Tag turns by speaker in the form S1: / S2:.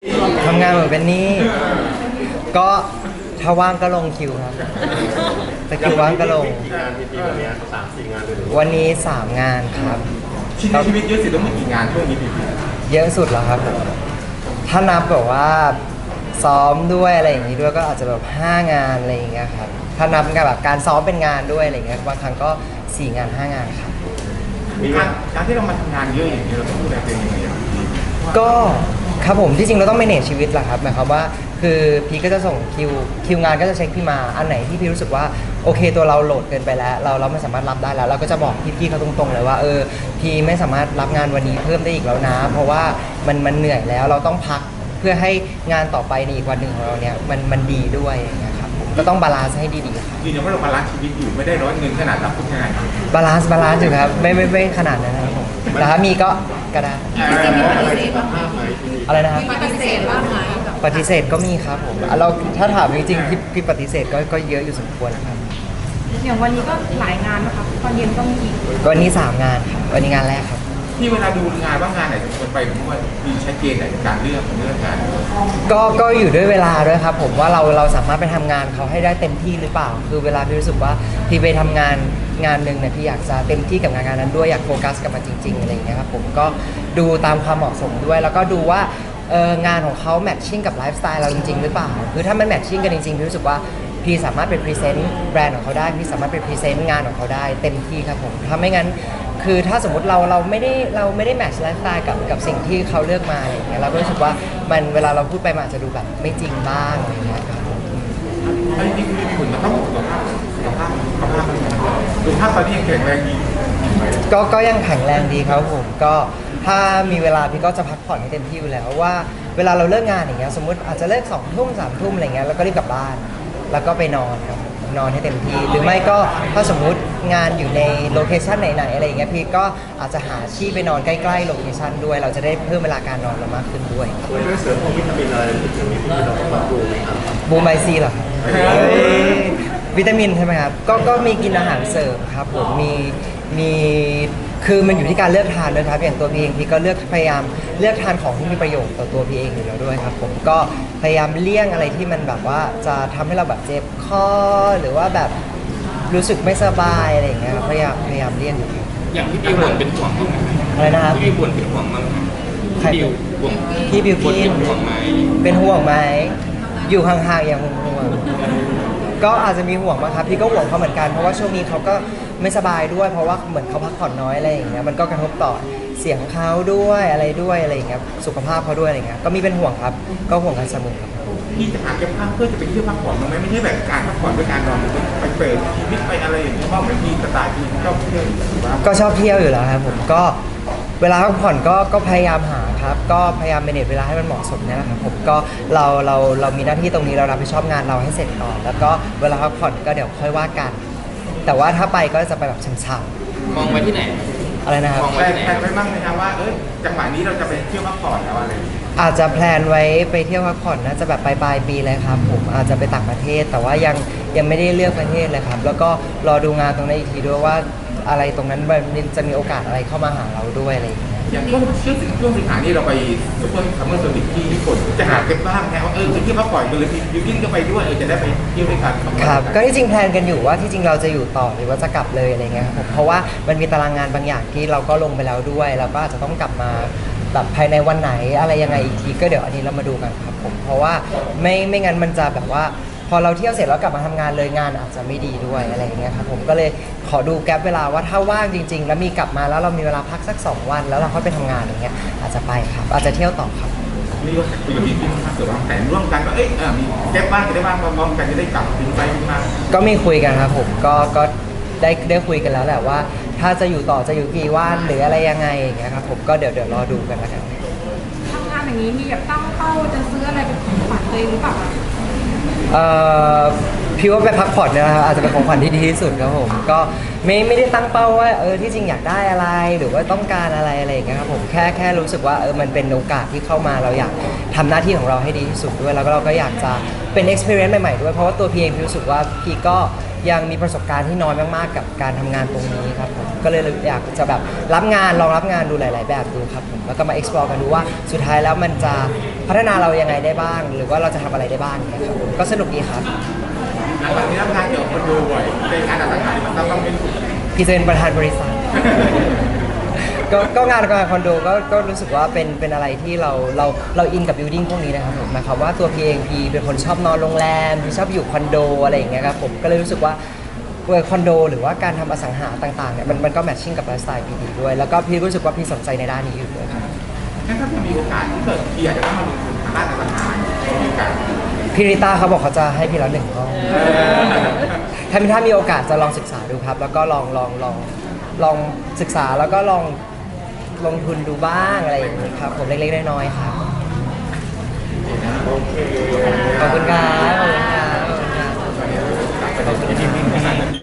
S1: ทำงานเหมือนเป็นนี่ก็ถ้าว่างก็ลงคิวครับแต่คิวว่างก็ลง
S2: กี่งานพีวันนี้3-4 งานเลยหรือ
S1: วันนี้3งานครับ
S3: ชีวิตเยอะสุดต้องมีกี่งานช่วงนี้พี่
S1: เยอะสุดแล้วครับถ้านับแบบว่าซ้อมด้วยอะไรอย่างนี้ด้วยก็อาจจะแบบ5งานอะไรอย่างเงี้ยครับถ้านับกับแบบการซ้อมเป็นงานด้วยอะไรอย่างเงี้ยบางครั้งก็4งาน5งานครับ
S3: มีการที่เรามาทำงานเยอะอย่างนี้เราต้องดูแลตัวเองยังไง
S1: ก็ครับผมที่จริงเราต้อง manage ชีวิตแหละครับหมายความว่าคือพี่ก็จะส่งคิวงานก็จะเช็คพี่มาอันไหนที่พี่รู้สึกว่าโอเคตัวเราโหลดเกินไปแล้วเราไม่สามารถรับได้แล้วเราก็จะบอกพี่ๆเขาตรงๆเลยว่าพี่ไม่สามารถรับงานวันนี้เพิ่มได้อีกแล้วนะเพราะว่ามันเหนื่อยแล้วเราต้องพักเพื่อให้งานต่อไปในอีกวันหนึ่งของเราเนี่ยมันดีด้วยอย่างเงี้ยครับก็ต้องบาลานซ์ให้ดีๆครับ
S3: ยืนยันว่าเราบาลานซ์ชีวิตอยู่ไม่ได้ร้อนเงินขนาดรับทุกงาน
S1: บาลานซ์อยู่ครับไม่ขนาดนั้นนะครับผมแต่ถ้ามีก็ได้อะไรนะครับ
S4: ปฏิเสธบ้างไหม
S1: ปฏิเสธก็มีครับผมเราถ้าถามจริงๆพี่ปฏิเสธก็เยอะอยู่สมควรนะครับ
S4: อย่างวันนี้ก็หลายงานนะคะตอนเย็นก็มีอีก
S1: วันนี้3งานครับวันนี้งานแรกครับ
S3: ที่เวลาดูงานว่างานไหนควรไปผมว่ามีชัดเจนในการเลือกงาน
S1: ก็อยู่ด้วยเวลาด้วยครับผมว่าเราสามารถไปทำงานเขาให้ได้เต็มที่หรือเปล่าคือเวลาพี่รู้สึกว่าพี่ไปทำงานหนึ่งเนี่ยพี่อยากจะเต็มที่กับงานนั้นด้วยอยากโฟกัสกับมันจริงๆอะไรอย่างเงี้ยครับผมก็ดูตามความเหมาะสมด้วยแล้วก็ดูว่างานของเขาแมทชิ่งกับไลฟ์สไตล์เราจริงๆหรือเปล่าคือถ้ามันแมทชิ่งกันจริงๆพี่รู้สึกว่าพี่สามารถเป็นพรีเซนต์แบรนด์ของเขาได้พี่สามารถเป็นพรีเซนต์งานของเขาได้เต็มที่ครับผมถ้าไม่งั้นคือถ้าสมมติเราไม่ได้แมทช์ไลฟ์สไตล์กับสิ่งที่เขาเลือกมาอย่างเงี้ยเราก็รู้สึกว่ามันเวลาเราพูดไปมันอาจจะดูแบบไม่จริงบ้างอะไรเงี้ยครับ
S3: อันนี้คือมีผลกระทบสุขภาพตอนนี้ยังแข็งแรงดี
S1: ก็ยังแข็งแรงดีครับผมก็ถ้ามีเวลาพี่ก็จะพักผ่อนให้เต็มที่อยู่แล้วว่าเวลาเราเลิกงานอย่างเงี้ยสมมติอาจจะเลิก2 ทุ่ม3 ทุ่มอะไรเงี้ยแล้วก็รีบกลับบ้านแล้วก็ไปนอนครับนอนให้เต็มที่หรือไม่ก็ถ้าสมมุติงานอยู่ในโลเคชันไหนๆอะไรอย่างเงี้ยพี่ก็อาจจะหาที่ไปนอนใกล้ๆโลเคชันด้วยเราจะได้เพิ่มเวลาการนอนเรามากขึ้นด้วย
S2: ด้วยเสริมพวกวิตามินอะไรอย่างนี้ที่เราต้องดูไหมครับ
S1: บูมไบซีเหรอวิตามินใช่ไหมครับก็มีกินอาหารเสริมครับผมมีคือมันอยู่ที่การเลือกทานด้วยครับอย่างตัวพี่เองพี่ก็พยายามเลือกทานของที่มีประโยชน์ต่อตัวพี่เองอยู่แล้วด้วยครับผมก็พยายามเลี่ยงอะไรที่มันแบบว่าจะทำให้เราแบบเจ็บคอหรือว่าแบบรู้สึกไม่สบายอะไรอย่างเงี้ยครับพยายามเลี่ยงอยู่
S5: อย่างที่บิวบ่นเป็นห่วงบ้างไหม
S1: อะไรนะครับ
S5: พี่บิวบ่นเป็นห่วงบ้างไหมบิวห่วง
S1: พี่บิวกิน
S5: ห่วงไหม
S1: เป็นห่วงไหมอยู่ห่างๆอย่างห่วงก็อาจจะมีห่วงบ้างครับพี่ก็ห่วงเขาเหมือนกันเพราะว่าช่วงนี้เขาก็ไม่สบายด้วยเพราะว่าเหมือนเขาพักผ่อนน้อยอะไรอย่างเงี้ยมันก็กระทบต่อเสียงเขาด้วยอะไรอย่างเงี้ยสุขภาพเขาด้วยอะไรเงี้ยก็มีเป็นห่วงครับก็ห่วงกันเสมอครับ
S3: พี่จะหาเก็บภาพเพื่อจะไปเที่ยวพักผ่อนไหมไม่ใช่แบบการพักผ่อนด้วยการนอนไปเปิดชีวิตไปอะไรอย่างเงี้ยเพราะเหมือนพี่สไตล์พี่ชอบเที่ยว
S1: ก็ชอบเที่ยวอยู่แล้วครับผมก็เวลาพักผ่อนก็พยายามหาครับก็พยายามเมเนจเวลาให้มันเหมาะสมเนี่ยแหละครับผมก็เรามีหน้าที่ตรงนี้เรารับผิดชอบงานเราให้เสร็จก่อนแล้วก็เวลาพักผ่อนก็เดี๋ยวค่อยว่ากันแต่ว่าถ้าไปก็จะไปแบบช้ำ
S5: มองไว้ที่ไหน
S1: อะไรนะครับ
S3: มองไว้ที่ไหนไปบ้างไหมครับว่าจังหวะนี้เราจะไปเที่ยวพักผ่อนแล้วอะไร
S1: อาจจะแพลนไว้ไปเที่ยวพักผ่อนน่าจะแบบปลายปีเลยครับผมอาจจะไปต่างประเทศแต่ว่ายังไม่ได้เลือกประเทศเลยครับแล้วก็รอดูงานตรงนั้นอีกทีด้วยว่าอะไรตรงนั้นมันจะมีโอกาสอะไรเข้ามาหาเราด้วยอะไรอย่างเงี้ย
S3: อย่างช่วงสิงหานี่เราไปซุปเปอร์คัมเมอร์โซนิกที่ญี่ปุ่นจะหาเก็บบ้างแค่ว่าไปเที่ยวพักผ่อนกันเลยยูกินก็ไปด้วยจะได้ไปเที่ยวด้วยกัน
S1: ครับก็ที่จริงแพลนกันอยู่ว่าที่จริงเราจะอยู่ต่อหรือว่าจะกลับเลยอะไรเงี้ยครับผมเพราะว่ามันมีตารางงานบางอย่างที่เราก็ลงไปแล้วด้วยเราก็อาจจะต้องกลับมาแบบภายในวันไหนอะไรยังไงอีกทีก็เดี๋ยวอันนี้เรามาดูกันครับผมเพราะว่าไม่งั้นมันจะแบบว่าพอเราเที่ยวเสร็จแล้วกลับมาทำงานเลยงานอาจจะไม่ดีด้วยอะไรอย่างเงี้ยครับผมก็เลยขอดูแกลบเวลาว่าถ้าว่างจริงๆแล้วมีกลับมาแล้วเรามีเวลาพักสัก2 วันแล้วเราค่อยไปทำงานอย่างเงี้ยอาจจะไปครับอาจจะเที่ยวต่อครับ
S3: นี่ก็คุยกับพี่ถ้าเกิดวางแผนร่วมกันก็มีแกลบบ้างจะได้บ้างมองกันจะได้กลับถึงไปมา
S1: ก็มีคุยกันครับผมก็ได้คุยกันแล้วแหละว่าถ้าจะอยู่ต่อจะอยู่กี่วันหรืออะไรยังไงอย่างเงี้ยครับผมก็เดี๋ยวรอดูกันแล้วกัน
S4: ทำงานอย่างนี้มีแบบตั้งเป้าจะซื้ออะไรเป็นของขวัญตัวเองหรือเปล่า
S1: พี่ว่าไปพักผ่อนเนี่ยนะครับอาจจะเป็นของขวัญที่ดีที่สุดครับผมก็ไม่ได้ตั้งเป้าว่าที่จริงอยากได้อะไรหรือว่าต้องการอะไรอย่างเงี้ยครับผมแค่รู้สึกว่ามันเป็นโอกาสที่เข้ามาเราอยากทำหน้าที่ของเราให้ดีที่สุดด้วยแล้วก็เราก็อยากจะเป็น experience ใหม่ๆด้วยเพราะว่าตัวพี่เองพี่รู้สึกว่าพี่ก็ยังมีประสบการณ์ที่น้อยมากๆกับการทำงานตรงนี้ครับผมก็เลยอยากจะแบบรับงานลองรับงานดูหลาย ๆ แบบดูครับผมแล้วก็มา explore กันดูว่าสุดท้ายแล้วมันจะพัฒนาเรายังไงได้บ้าง หรือว่าเราจะทำอะไรได้บ้างเนี่ยครับผมก็สนุกดีครับ
S3: หลังจากนี้ทำงานเกี่ยวกับคอนโดบ่อยในงานอสังหาริมทรัพย์ต้องเป็น
S1: พี่จะเป็นประธานบริษัท ก็งานคอนโดก็รู้สึกว่าเป็นอะไรที่เราอินกับบิ l ดิ้งพวกนี้นะครับผมหมายความว่าตัวพีเองพีเป็นคนชอบนอนโรงแรมพี่ชอบอยู่คอนโดอะไรอย่างเงี้ยครับผมก็เลยรู้สึกว่าคอนโดหรือว่าการทำอสังหาต่างๆเนี่ยมันก็แมทชิ่งกับไลฟ์สไตล์พีดีด้วยแล้วก็พี่รู้สึกว่าพี่สนใจในด้านนี้อยู่ด้วยครับ
S3: งั้นถ้ามีโอกาสที่เกิดพี่อาจจะต้องมาลงทุนทางด้านอสังหามีโอกาส
S1: พี่ริต้าเขาบอกเขาจะให้พี่แล้ว1 ห้องถ้ามีโอกาสจะลองศึกษาดูครับ แล้วก็ลองศึกษาแล้วก็ลองลงทุนดูบ้างอะไรอย่างนี้ครับผมเล็กๆน้อยๆครับ
S2: โอเค
S1: ขอบคุณครับขอบคุณครับ
S3: ไปที่